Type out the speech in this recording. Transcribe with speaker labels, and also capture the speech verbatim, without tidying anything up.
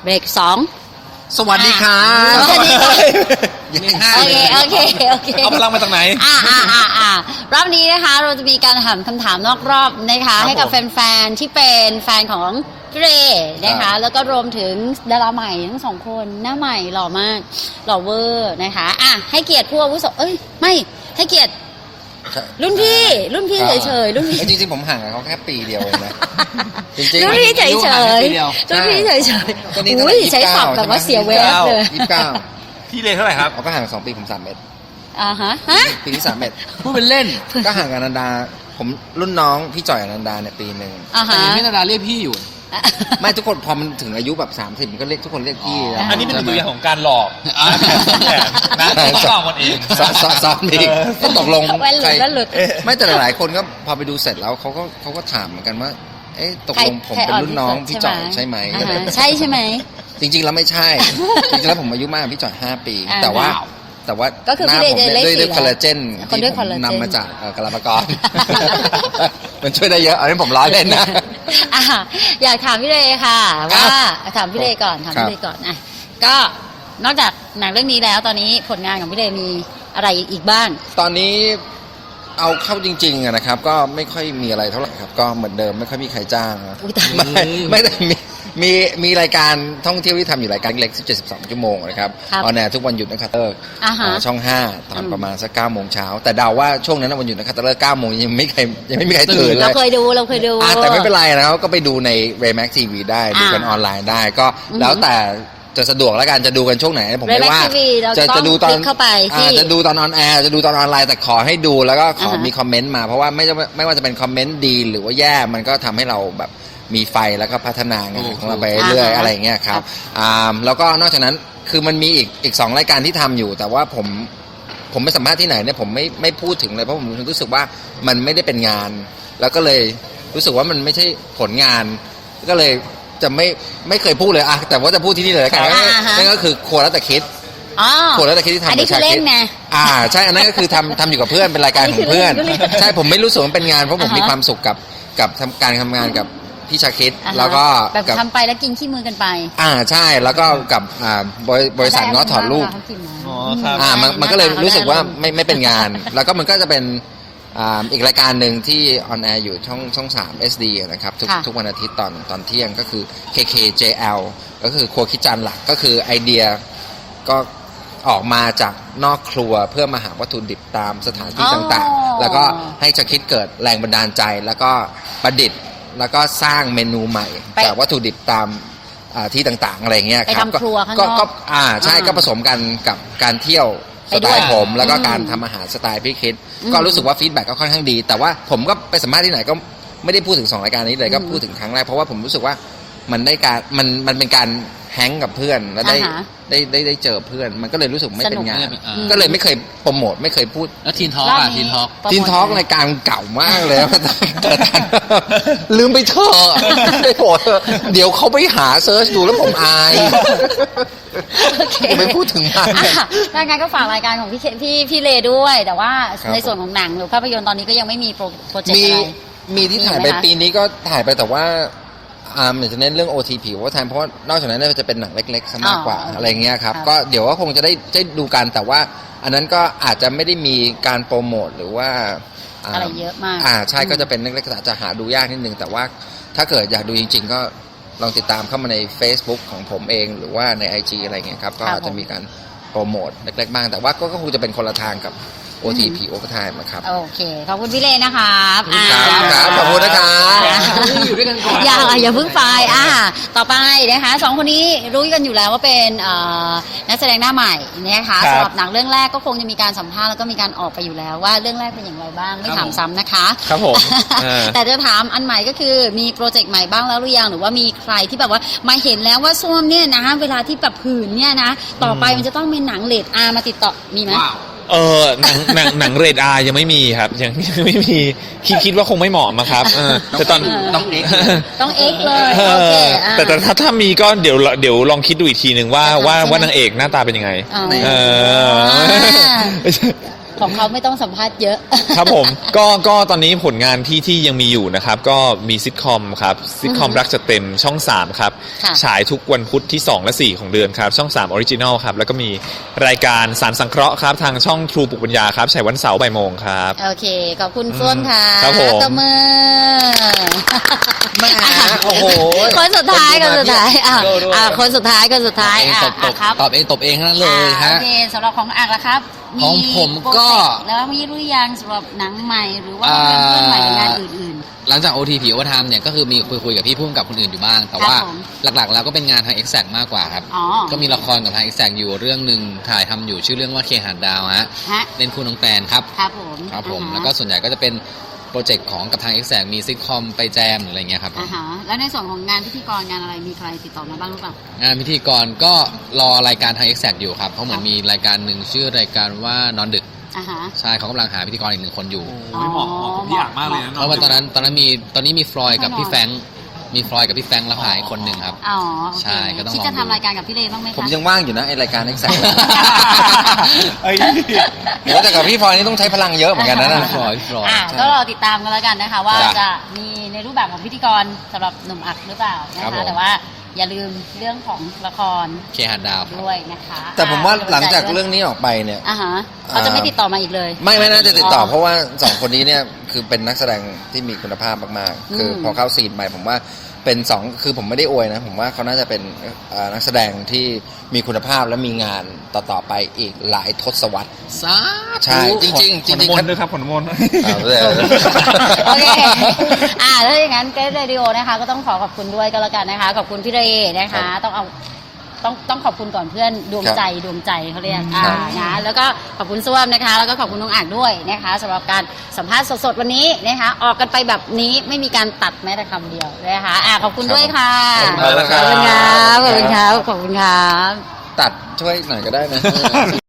Speaker 1: เบรกสอง
Speaker 2: สวัสดีครับ
Speaker 1: สวัสดีค่ะ
Speaker 2: ยังไม่ห้า
Speaker 1: โอเคโอเคโอเค
Speaker 2: เอาพลังมาจากไหน
Speaker 1: อ่าอ่าอ่าอ่ารอบนี้นะคะเราจะมีการถามคำถามนอกรอบนะคะให้กับแฟนๆที่เป็นแฟนของพี่เรนะคะแล้วก็รวมถึงดาราใหม่ทั้งสองคนหน้าใหม่หล่อมากหล่อเวอร์นะคะอ่ะให้เกียรติผู้อาวุโสเอ้ยไม่ให้เกียรติรุ่นพี่รุ่นพี่เฉยๆรุ่นพี่
Speaker 2: จริงๆผมห่างกับเขาแค่ปีเดียวเองนะจริงๆ
Speaker 1: รุ่นพี่เฉยๆรุ่นพี่เฉยๆอุ้ยใช้ศัพท์แบบว่าเสียเวลเลย
Speaker 2: ยี่สิบเก้า
Speaker 3: พี่เลเท่าไหร่ครับ
Speaker 2: เขาก็ห่างสองปีผมสามเมตร
Speaker 1: อ่าฮะฮะ
Speaker 2: ปีนี้สามเมตร
Speaker 3: พูดเป็นเล่น
Speaker 2: ก็ห่างกับอนันดาผมรุ่นน้องพี่จ่อยอนันดาเนี่ยปีหนึ่ง
Speaker 1: แต่
Speaker 3: พี่อนันดาเรียกพี่อยู่
Speaker 2: ไม่ทุกคนพอมันถึงอายุแบบสามสิบมันก็เรียกทุกคนเรียกพี่
Speaker 3: อันนี้เป็นตัวอย่างของการหลอกนะซ้อมมันเอง
Speaker 2: ซ้อมอีกก็ตกลง
Speaker 1: ใคร
Speaker 2: ไม่แต่หลายคนก็พอไปดูเสร็จแล้วเขาก็เขาก็ถามเหมือนกันว่าเอ๊ะตกลงผมเป็นรุ่นน้องพี่จ่อยใช่ไหม
Speaker 1: ใช่ใช่ไหม
Speaker 2: จริงๆแล้วไม่ใช่จริงๆแล้วผมอายุมากพี่จ่อยห้าปีแต่ว่าแต่ว่าหน้าผมด้วยด้วยคอลลาเจนที่ผมนำมาจากกะลาปากรมันช่วยได้เยอะอันนี้ผมล้อเล่นนะ
Speaker 1: อยากถามพี่เลค่ะว่าถามพี่เลก่อนถามพี่เลก่อนอ่ะก็นอกจากหนังเรื่องนี้แล้วตอนนี้ผลงานของพี่เลมีอะไรอีกบ้าง
Speaker 2: ตอนนี้เอาเข้าจริงๆนะครับก็ไม่ค่อยมีอะไรเท่าไหร่ครับก็เหมือนเดิมไม่ค่อยมีใครจ้างไม่ไม่ได้มีมีมีรายการท่องเที่ยวที่ทำอยู่รายการเล็กสิบเจ็ด สิบสองชั่วโมงนะครับออนแอร์ทุกวันหยุดนะครับเตอร์ช่องห้าตอนประมาณสักเก้าโมงเช้าแต่เดาว่าช่วงนั้นวันหยุดนะครับเตอร์เก้าโมงยังไม่ใครยังไม่มีใครตื่นเลย
Speaker 1: เราเคยดูเราเคยดู
Speaker 2: แต่ไม่เป็นไรนะครับก็ไปดูใน Raymax ที วี ได้ดูกันออนไลน์ได้ก็แล้วแต่จะสะดวกแล้วกันจะดูกันช่วงไหนผมไม่ว่าจะจะดูตอน
Speaker 1: เข้าไป
Speaker 2: จะดูตอนออนแอร์จะดูตอนออนไลน์แต่ขอให้ดูแล้วก็ขอมีคอมเมนต์มาเพราะว่าไม่ไม่ว่าจะเป็นคอมเมนต์ดีหรือว่าแย่มันก็ทำให้เราแบบมีไฟแล้วก็พัฒนางานของเราไปเรื่อยอะไรอย่างเงี้ยครับแล้วก็นอกจากนั้นคือมันมีอีกอีกสองรายการที่ทำอยู่แต่ว่าผมผมไม่สัมภาษณ์ที่ไหนเนี่ยผมไม่ไม่พูดถึงเลยเพราะผมรู้สึกว่ามันไม่ได้เป็นงานแล้วก็เลยรู้สึกว่ามันไม่ใช่ผลงานก็เลยจะไม่ไม่เคยพูดเลยอะแต่ว่าจะพูดที่นี่เลยแล้วกันนั่นก็คือครัวแล้วแต่คิดครัวแล้วแต่คิดที่ทำ
Speaker 1: กับชาคิด
Speaker 2: อ่าใช่อันนั้นก็คือทำทำอยู่กับเพื่อนเป็นรายการของเพื่อนใช่ผมไม่รู้สึกว่าเป็นงานเพราะผมมีความสุขกับกับการทำงานกับพี่ชาคิดแล้วก็
Speaker 1: แบบทำไปแล้วกินขี้มือกันไป
Speaker 2: อ่าใช่แล้วก็กับอ่าบริษัทง้อถอดรูป
Speaker 3: อ๋อครับ
Speaker 2: อ่ามันมันก็เลยรู้สึกว่าไม่ไม่เป็นงานแล้วก็มันก็จะเป็นอ่าอีกรายการหนึ่งที่ออนแอร์อยู่ช่องช่องสาม เอส ดี นะครับทุกทุกวันอาทิตย์ตอนตอนเที่ยงก็คือ เค เค เจ แอล ก็คือครัวคิดจานหลักก็คือไอเดียก็ออกมาจากนอกครัวเพื่อมาหาวัตถุดิบตามสถานที่ต่างๆแล้วก็ให้ชาคิดเกิดแรงบันดาลใจแล้วก็ประดิษฐ์แล้วก็สร้างเมนูใหม่จากวัตถุดิบตามที่ต่างๆอะไรเงี้ยครับก็ก็อ่าใช่ก็ผสมกันกับการเที่ยวสไตล์ผมแล้วก็การทำอาหารสไตล์พี่คิดก็รู้สึกว่าฟีดแบ็กก็ค่อนข้างดีแต่ว่าผมก็ไปสัมภาษณ์ที่ไหนก็ไม่ได้พูดถึงสองรายการนี้เลยก็พูดถึงครั้งแรกเพราะว่าผมรู้สึกว่ามันได้การมันมันเป็นการแฮงกับเพื่อนแล้วได้ได้ได้ได้เจอเพื่อนมันก็เลยรู้สึกไม่เป็นงานก็เลยไม่เคยโปรโมทไม่เคยพูด
Speaker 3: แล้วทีนทอล์กอ่ะทีนทอล์ก
Speaker 2: ทีนทอล์กรายการเก่ามากเลยลืมไปเถอะไม่โปรดเดี๋ยวเขาไปหาเซิร์ชดูแล้วผมอายไม่พูดถึงมัน
Speaker 1: รายการก็ฝากรายการของพี่พี่พี่เลด้วยแต่ว่าในส่วนของหนังหรือภาพยนตร์ตอนนี้ก็ยังไม่มีโปรเจกต์อะไร
Speaker 2: มีที่ถ่ายไปปีนี้ก็ถ่ายไปแต่ว่าอ่าจะเน้นเรื่อง โอ ที ผิวว่าทเพราะนอกจากนั้นจะเป็นหนังเล็กๆซะมากกว่าอะไรเงี้ยครับก็เดี๋ยวว่าคงจะได้ได้ดูกันแต่ว่าอันนั้นก็อาจจะไม่ได้มีการโปรโมทหรือว่า
Speaker 1: อะไรเยอะมาก
Speaker 2: อ่าใช่ก็จะเป็นเล็กๆอาจจะหาดูยากนิดนึงแต่ว่าถ้าเกิดอยากดูจริงๆก็ลองติดตามเข้ามาใน Facebook ของผมเองหรือว่าใน ไอ จี อะไรเงี้ยครับก็อาจจะมีการโปรโมทเล็กๆบ้างแต่ว่าก็คงจะเป็นคนละทางกับโอ ที พี Overtime นะครับ
Speaker 1: โอเคขอบคุณพี่เลนะคะ
Speaker 2: ครับขอบคุณนะครับ
Speaker 3: อยู่ด้วยกันก่อน
Speaker 1: อย่าอย่าเพิ่งไปอ่าต่อไปนะคะสองคนนี้รู้กันอยู่แล้วว่าเป็นนักแสดงหน้าใหม่นะคะสำหรับหนังเรื่องแรกก็คงจะมีการสัมภาษณ์แล้วก็มีการออกไปอยู่แล้วว่าเรื่องแรกเป็นอย่างไรบ้างไม่ถามซ้ำนะคะ
Speaker 3: ครับผม
Speaker 1: แต่จะถามอันใหม่ก็คือมีโปรเจกต์ใหม่บ้างแล้วหรือยังหรือว่ามีใครที่แบบว่ามาเห็นแล้วว่าส้วมเนี่ยนะเวลาที่แบบผื่นเนี่ยนะต่อไปมันจะต้องเป็นหนังเรทอาร์มาติดต่อมีไหม
Speaker 3: เออหนังหนังหนังเรดอาร์ยังไม่มีครับยังยังไม่มีคิดคิดว่าคงไม่เหมาะมาครับแต่ตอน
Speaker 2: ต้องเอ็ก
Speaker 1: ต้องเอ็กเลยโอเค
Speaker 3: แต่แต่ถ้าถ้ามีก็เดี๋ยวเดี๋ยวลองคิดดูอีกทีหนึ่งว่าว่าว่านางเอกหน้าตาเป็นยังไงเออ
Speaker 1: ของเขาไม่ต้องสัมภาษณ์เยอะ
Speaker 3: ครับผมก็ก็ตอนนี้ผลงานที่ที่ยังมีอยู่นะครับ ก็มีซิทคอมครับซิทคอม
Speaker 1: อือฮึ
Speaker 3: รักจะเต็มช่องสามครับ
Speaker 1: ค่ะ
Speaker 3: ฉายทุกวันพุธที่สองและสี่ของเดือนครับ ช่องสามออริจินอลครับ แล้วก็มีรายการสารสังเคราะห์ครับ ทางช่องทรูปุกปัญญาครับฉายวันเสาร์บ่ายโมงครับ
Speaker 1: โอเค ขอบคุณส้วนค่ะ
Speaker 3: ครับผม
Speaker 1: ตบมือ
Speaker 2: แหม่โอ้โห
Speaker 1: คนสุดท้ายคนสุดท้ายอ่ะ
Speaker 2: โดด้วย
Speaker 1: อ่ะคนสุดท้ายคนสุดท้าย
Speaker 2: เอง
Speaker 1: อ่ะ
Speaker 2: ตบต
Speaker 1: อ่ะ
Speaker 2: บ
Speaker 1: ครับ
Speaker 2: ตอบเองตบเองทั้งนั้นเลย
Speaker 1: อ่า
Speaker 2: ฮะ
Speaker 1: โอเคสำหรับของอ่างละครับ
Speaker 2: ของผมก็
Speaker 1: โปรเจต์แล้วมีหรือยังสำหรับหนังใหม่หรือว่าเป็นเรื่องใหม่หรืองานอื่น
Speaker 4: หลังจาก โอ ที พี Overtime เนี่ยก็คือมีคุยคุยกับพี่พุ่มกับคนอื่นอยู่บ้าง แต่ว่า
Speaker 1: ครับผม
Speaker 4: หลักๆ แล้วก็เป็นงานทาง Exact มากกว่าครับ
Speaker 1: อ๋อ
Speaker 4: ก็มีละครกับทาง Exact อยู่เรื่องหนึ่งถ่ายทำอยู่ชื่อเรื่องว่าเคหะดาวฮะ
Speaker 1: ๆฮะ
Speaker 4: เล่นคู่น้องแตนครับ
Speaker 1: ครับผม
Speaker 4: ครับผม
Speaker 1: อ่าฮะ
Speaker 4: แล้วก็ส่วนใหญ่ก็จะเป็นโปรเจกต์ของกับทาง Exact มีซิทคอมไปแจมหรืออะไรเงี้ยครับผม
Speaker 1: อ่าฮะแล้วในส่วนของงานพิธีกรงานอะไรมีใครติดต่อมาบ้างหรือเปล่า
Speaker 4: งานพิธีกรก็รอรายการทาง Exact อยู่ครับเพราะเหมือนมีรายการหนึ่งชื่อรายการว่านอนดึก
Speaker 1: อ่าฮะ
Speaker 4: ใช่เขากำลังหาพิธีกรอีกหนึ่งคนอยู่
Speaker 3: โอ้ยเหมาะเหมาะกับพี่อ่างมากเลยนะ
Speaker 4: เพราะว่าตอนนั้นตอนนั้นมีตอนนี้มีฟลอยด์กับ
Speaker 1: ไม่นอน
Speaker 4: พี่แฟรงค์มีฟลอยด์กับพี่แฟรงค์แล้วหายคนหนึ่งครับ
Speaker 1: อ๋อโอเค
Speaker 4: ใช่ก็ต้อง
Speaker 1: คิด
Speaker 4: ลอง
Speaker 1: จะ
Speaker 4: ดู
Speaker 1: ทำรายการกับพี่เลบ้างไหมคะ
Speaker 2: ผมยังว่างอยู่นะไอรายการ Exact
Speaker 3: เอ้ย
Speaker 2: เดี๋ยวแต่กับพี่พลอยนี่ต้องใช้พลังเยอะเหมือนกันนะนั่น
Speaker 4: ฟลอยด์ฟลอยด์
Speaker 1: อ่ะ
Speaker 2: ใช่
Speaker 1: ก็รอติดตามกันแล้วกันนะคะ ว่า
Speaker 4: จ้ะ
Speaker 1: จะมีในรูปแบบของพิธีกรสำหรับหนุ่มอักหรือเปล่านะ
Speaker 4: ครั
Speaker 1: คะ
Speaker 4: บผม
Speaker 1: แต่ว่าอย่าลืมเรื่องของละคร
Speaker 4: เคหะดาวครับ
Speaker 1: ด้วยนะคะ
Speaker 2: แต่ผมว่า
Speaker 1: อ่ะ
Speaker 2: หลังจาก
Speaker 1: ป็นใจด้วย
Speaker 2: เรื่องนี้ออกไปเนี่ย
Speaker 1: อ่าฮะเขาจะไม่ติดต่อมาอีกเลย
Speaker 2: ไม่ไม่น่าจะติดต่อ
Speaker 1: อ๋อ
Speaker 2: เพราะว่าสองคนนี้เนี่ยคือเป็นนักแสดงที่มีคุณภาพมากๆ คืออ
Speaker 1: ม
Speaker 2: พอเข้าซีนใหม่ผมว่าเป็นสองคือผมไม่ได้อวยนะ ผมว่าเขาน่าจะเป็นเอ่อนักแสดงที่มีคุณภาพและมีงานต่อๆไปอีกหลายทศวรรษ
Speaker 4: สาธุ
Speaker 2: ใช่จริงๆจริง
Speaker 3: ขน
Speaker 2: ๆ
Speaker 3: มนต์ด้วยครับขนมนต์
Speaker 2: เอาเลย
Speaker 1: โอเค อ่าแล้วอย่างนั้นเกรดเรดิโอนะคะ ก็ต้องขอขอบคุณด้วยก็แล้วกันนะคะ ขอบคุณพี่เรนะคะ ต้องเอาต้องต้องขอบคุณก่อนเพื่อนดวงใจดวงใจเขาเรียกอ่านะแล้วก็ขอบคุณส้วมนะคะ แล้วก็ขอบคุณน้องอ่างด้วยนะคะสำหรับการสัมภาษณ์สดๆวันนี้นะคะ ออกกันไปแบบนี้ไม่มีการตัดแม้แต่คำเดียวนะคะอ่าขอบคุณด้วยค่ะ
Speaker 2: ขอบคุณมากนะค
Speaker 1: ข
Speaker 2: รั
Speaker 1: อบ บคุณครับขอบคุณครับขอบคุณครับ
Speaker 2: ตัดช่วยหน่อยก็ได้นะ